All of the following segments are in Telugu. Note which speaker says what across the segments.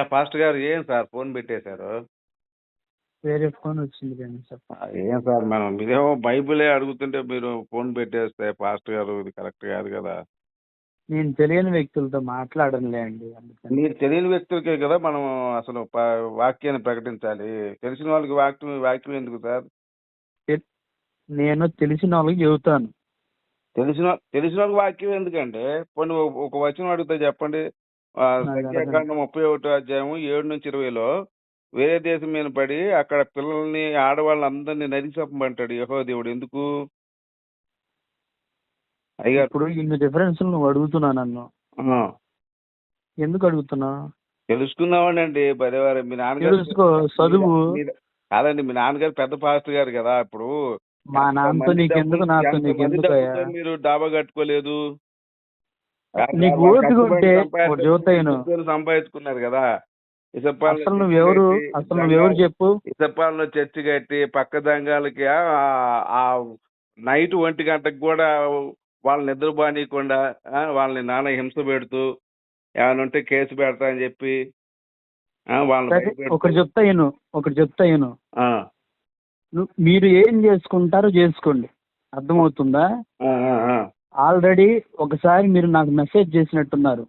Speaker 1: పాస్టర్ గారు ఏం సార్ ఫోన్ పెట్టేశారు?
Speaker 2: వేరే ఫోన్ వచ్చింది కానీ సార్.
Speaker 1: ఏం సార్ మీరేమో బైబిలే అడుగుతుంటే మీరు ఫోన్ పెట్టేస్తే పాస్టర్ గారు ఇది కరెక్ట్ కాదు కదా.
Speaker 2: నేను తెలియని వ్యక్తులతో మాట్లాడనులే అండి.
Speaker 1: మీరు తెలియని వ్యక్తులకే కదా మనం అసలు వాక్యాన్ని ప్రకటించాలి. తెలిసిన వాళ్ళకి వాక్యం ఎందుకు సార్?
Speaker 2: నేను తెలిసిన వాళ్ళకి చెబుతాను.
Speaker 1: తెలిసిన వాళ్ళకి వాక్యం ఎందుకంటే కొన్ని ఒక వచనం అడిగితే చెప్పండి. సంఖ్యాకాండం 31 అధ్యాయం 7-20లో వేరే దేశం మీద పడి అక్కడ పిల్లల్ని ఆడవాళ్ళందరినీ నరికి చంపమంటాడు యెహోవా దేవుడు. ఎందుకు? అయ్యా
Speaker 2: ఇప్పుడు ఇన్ని డిఫరెన్స్ నువ్వు అడుగుతున్నా నన్ను, ఎందుకు అడుగుతున్నా?
Speaker 1: తెలుసుకుందామండి. బరేవారు మీ నాన్నగారు
Speaker 2: చదువు
Speaker 1: కాదండి, మీ నాన్నగారు పెద్ద పాస్టర్ గారు కదా. ఇప్పుడు
Speaker 2: మా నాన్నతో నీకెందుకు, నాతో నీకెందుకు?
Speaker 1: మీరు డాబా కట్టుకోలేదు,
Speaker 2: నీకు ఓపిక ఉంటే
Speaker 1: సంపాదించుకున్నారు కదా.
Speaker 2: అసలు నువ్వెవరు చెప్పు?
Speaker 1: ఇసప్పాలలో చర్చి కట్టి పక్క దంగాలకి ఆ నైట్ 1 గంటకు కూడా వాళ్ళని నిద్రపోనీయకుండా వాళ్ళని నాన్న హింస పెడుతూ ఏమైనా ఉంటే కేసు పెడతా అని చెప్పి
Speaker 2: ఒకటి చెప్తా విను. మీరు ఏం చేసుకుంటారో చేసుకోండి, అర్థమవుతుందా? ఆల్రెడీ ఒకసారి మీరు నాకు మెసేజ్ చేసినట్టున్నారు.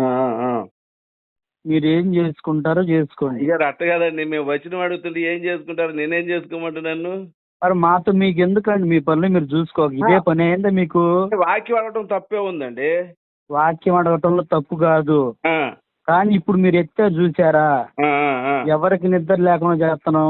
Speaker 2: మీరు ఏం చేసుకుంటారో చేసుకోండి.
Speaker 1: ఇక అట్ట కదండి, మేము వచ్చిన అడుగుతుంటే ఏం చేసుకుంటారు, నేనేం చేసుకోమంటు నన్ను?
Speaker 2: మరి మాతో మీకు ఎందుకండి? మీ పనులు మీరు చూసుకోవాలి. ఇదే పని అయిందా మీకు?
Speaker 1: వాక్యం అడగటం తప్పే ఉందండి.
Speaker 2: వాక్యం అడగటంలో తప్పు కాదు, కానీ ఇప్పుడు మీరు ఎత్తారు చూసారా, ఎవరికి నిద్ర లేకుండా చేస్తాను.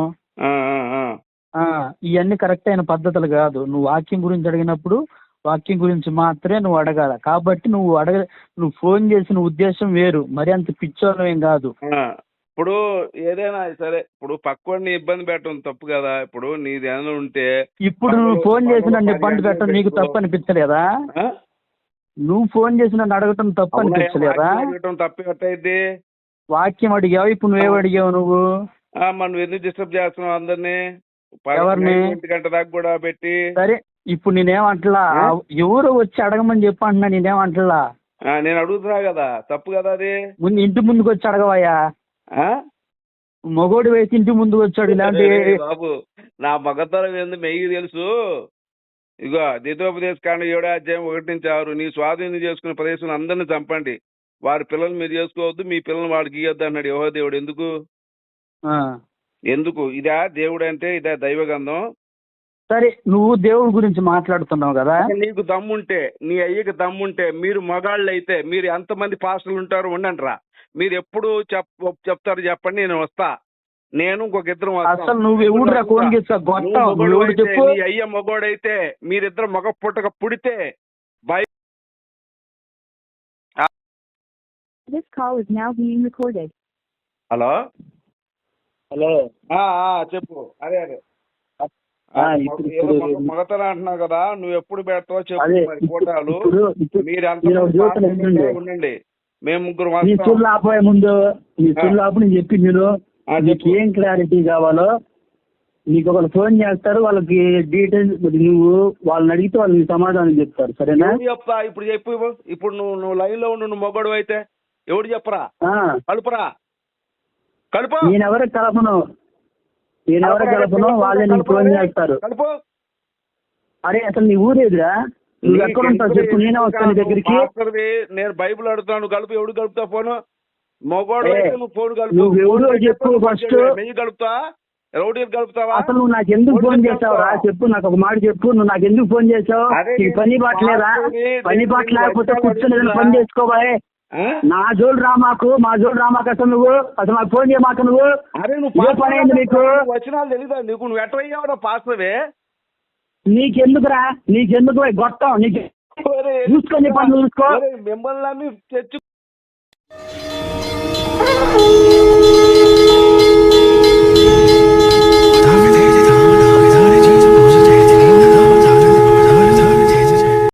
Speaker 2: ఇవన్నీ కరెక్ట్ అయిన పద్ధతులు కాదు. నువ్వు వాక్యం గురించి అడిగినప్పుడు వాక్యం గురించి మాత్రమే నువ్వు అడగాల. కాబట్టి నువ్వు ఫోన్ చేసిన ఉద్దేశం వేరు, మరి అంత పిచ్చోళ్ళం ఏం కాదు.
Speaker 1: ఇప్పుడు ఏదైనా సరే, ఇప్పుడు పక్కోడిని ఇబ్బంది పెట్టడం తప్పు కదా. ఇప్పుడు నీది ఏమైనా ఉంటే
Speaker 2: ఇప్పుడు నువ్వు ఫోన్ చేసి నన్ను ఇబ్బంది పెట్టడం నీకు తప్పు అనిపించలేదా? నువ్వు ఫోన్ చేసి నన్ను అడగటం తప్పు అనిపించలేదా?
Speaker 1: తప్పైతే
Speaker 2: వాక్యం అడిగావు, ఇప్పుడు నువ్వేం అడిగావు? నువ్వు
Speaker 1: మనం ఎందుకు డిస్టర్బ్ చేస్తున్నావు అందరినీ?
Speaker 2: ఎవరిని?
Speaker 1: 1 గంట దాకా కూడా పెట్టి.
Speaker 2: సరే, ఇప్పుడు నేనేమంటలా, ఎవరు వచ్చి అడగమని చెప్పి అంటున్నా, నేనేమంటలా.
Speaker 1: నేను అడుగుతున్నా కదా, తప్పు కదా అది.
Speaker 2: ముందు ఇంటి ముందుకు వచ్చి అడగవయ్యా. మగోడు వేసి ఇంటి ముందుకు వచ్చాడు. ఇలాంటి
Speaker 1: బాబు నా మగతరం ఏంది మెయ్యి తెలుసు. ఇగో ద్వితోపదేశ కాండం 7వ అధ్యాయం 1-6, నీ స్వాధీనం చేసుకున్న ప్రదేశం అందరినీ చంపండి, వారి పిల్లలు మీరు చేసుకోవద్దు, మీ పిల్లలు వాడికి ఇవ్వద్దు అన్నాడు యెహోవా దేవుడు. ఎందుకు? ఇదా దేవుడు అంటే? ఇదా దైవగంధం?
Speaker 2: సరే, నువ్వు దేవుడి గురించి మాట్లాడుతున్నావు కదా.
Speaker 1: నీకు దమ్ముంటే, నీ అయ్యకి దమ్ముంటే, మీరు మగాళ్ళు అయితే మీరు ఎంతమంది పాస్టర్లు ఉంటారు ఉండండి రా. మీరు ఎప్పుడు చెప్తారు చెప్పండి, నేను వస్తా. నేను ఇంకొక ఇద్దరు.
Speaker 2: అసలు నువ్వు ఎవడురా ఫోన్ చేస్తా? చెప్పు.
Speaker 1: నీ అయ్య మగోడైతే మీరిద్దరు మగ పుట్టక పుడితే హలో చెప్పు. అదే మగతనం అంటున్నావు కదా, నువ్వు ఎప్పుడు పెడతావు చెప్పు. మరి ఫోటోలు మీరు ఉండండి, మేము ముగ్గురు
Speaker 2: ముందు నేను చెప్పి నీకు ఏం క్లారిటీ కావాలో నీకు ఒకరు ఫోన్ చేస్తారు, వాళ్ళకి డీటెయిల్స్ నువ్వు వాళ్ళని అడిగితే వాళ్ళు సమాధానం చెప్తారు. సరేనా?
Speaker 1: చెప్తా. ఇప్పుడు చెప్పు. ఇప్పుడు నువ్వు లైన్ లో ఉండు. నువ్వు మొగడు అయితే ఎవడు చెప్పరా? కలుపురా. కలుపు.
Speaker 2: నేనెవరికి కలపను, వాళ్ళే నీకు ఫోన్ చేస్తారు.
Speaker 1: కలుపు.
Speaker 2: అరే అసలు నీ ఊరేదిరా? నువ్వు ఎక్కడ ఉంటావు చెప్పు, నేనే వస్తాను దగ్గరికి.
Speaker 1: నేను బైబుల్ అడుగుతాను, కలుపు. ఎవడు కలుపుతా ఫోను? మొగోడు అయితే నువ్వు ఫోన్ కలుపు.
Speaker 2: నువ్వు చెప్పు ఫస్ట్.
Speaker 1: నెయ్యి కలుపుతా, రౌడీలు కలుపుతావా?
Speaker 2: అసలు నువ్వు నాకు ఎందుకు ఫోన్ చేసావురా? చెప్పు, నాకు ఒక మాట చెప్పు. నువ్వు నాకు ఎందుకు ఫోన్ చేసావు? నీకు పని బాట్లేదా? పని బాట లేకపోతే కూర్చొని పని చేసుకోవాలి. నా జోలు రామాకు, మా జోలు రామాకు. అసలు నాకు ఫోన్ చేయమాక. నువ్వు పని అయింది నీకు?
Speaker 1: వచ్చినాలు తెలీదా నీకు? నువ్వు ఎట్లా పాస్తవే?
Speaker 2: నీకెందుకురా? నీకెందుకు గొట్టం? నీకు చూసుకొని పని చూసుకో.
Speaker 1: మిమ్మల్ని తెచ్చు